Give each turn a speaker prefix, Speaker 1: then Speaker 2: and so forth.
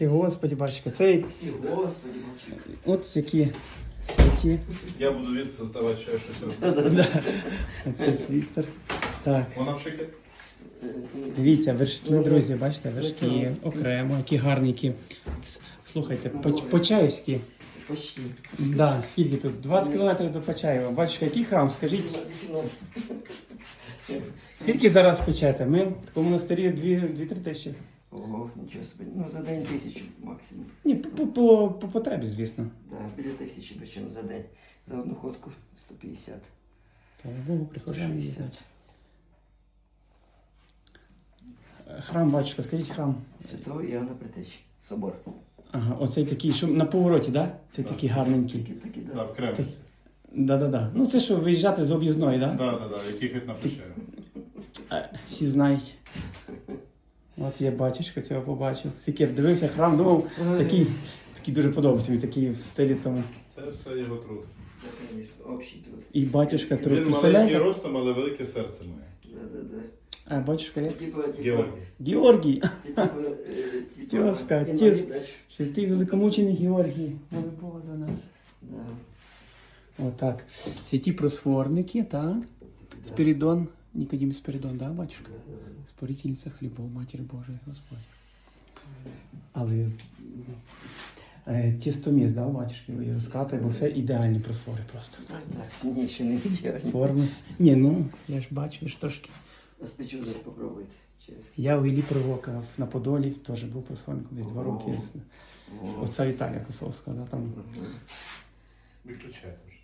Speaker 1: Спасі Господі, батюшка. Це
Speaker 2: Всі, Господи, мовчи.
Speaker 1: от які.
Speaker 3: Я буду від создавати ще щось робити.
Speaker 1: Да. Оце світер. Так.
Speaker 3: Вона в шике?
Speaker 1: Дивіться, вершки, друзі, бачите, вершки окремо, які гарненькі. Слухайте, Почаївські.
Speaker 2: Почти.
Speaker 1: Да, скільки тут? 20 кілометрів до Почаєва. Батюшка, який храм, скажіть?
Speaker 2: 18.
Speaker 1: Скільки зараз печете? Ми в такому монастирі 2-3 тисячі.
Speaker 2: Ого, нічого собі. Ну, за день 1000 максимум.
Speaker 1: Ні, по потребі, звісно.
Speaker 2: Да, біля 1000 печемо за день. За одну ходку 150.
Speaker 1: Слава Богу, представляємо.
Speaker 2: 160.
Speaker 1: Храм, батюшка, скажіть храм.
Speaker 2: Святого Іоанна Предтечі. Собор.
Speaker 1: Ага, оцей такий, що на повороті, так? Да? Це такий гарненький.
Speaker 2: Такі,
Speaker 3: Да,
Speaker 2: да.
Speaker 3: в Кремлі.
Speaker 1: Да-да-да. Ну це що, виїжджати з об'їзної, так? Да?
Speaker 3: Да, який хоч на Почаєві.
Speaker 1: Всі знають. От я батюшка цього побачив. Скільки дивився храм, думав, такий дуже подобається, він такий в стилі тому.
Speaker 3: Це все його труд.
Speaker 2: Да, конечно, общий труд.
Speaker 1: І батюшка труд.
Speaker 3: Він маленький
Speaker 1: Представляєте?
Speaker 3: ростом, але велике серце має.
Speaker 2: Да.
Speaker 1: А батюшка як?
Speaker 2: Типа,
Speaker 3: Георгій.
Speaker 1: Георгій.
Speaker 2: Тезка,
Speaker 1: отець. Що ти великомучений Георгій. Моли Бога за нас.
Speaker 2: Да.
Speaker 1: Отак. Святі просфорники, так. Спірідон. Нікодим Спірідон, да, батюшка? Спорительниця хлібов, Матір Божої, Господь. Але тістоміс, да, батюшки, ви розкатує, бо все ідеальні просфори просто.
Speaker 2: Так, ні, ще не вечерні.
Speaker 1: Форми. Ні, ну, я ж бачу, ви ж трошки.
Speaker 2: Спечу, зараз попробуйте. Через.
Speaker 1: Я у Іллі Провока на Подолі теж був просфорником десь 2 роки.
Speaker 2: О.
Speaker 1: Оця Віталія Косовська, да, там.
Speaker 3: Виключайте вже.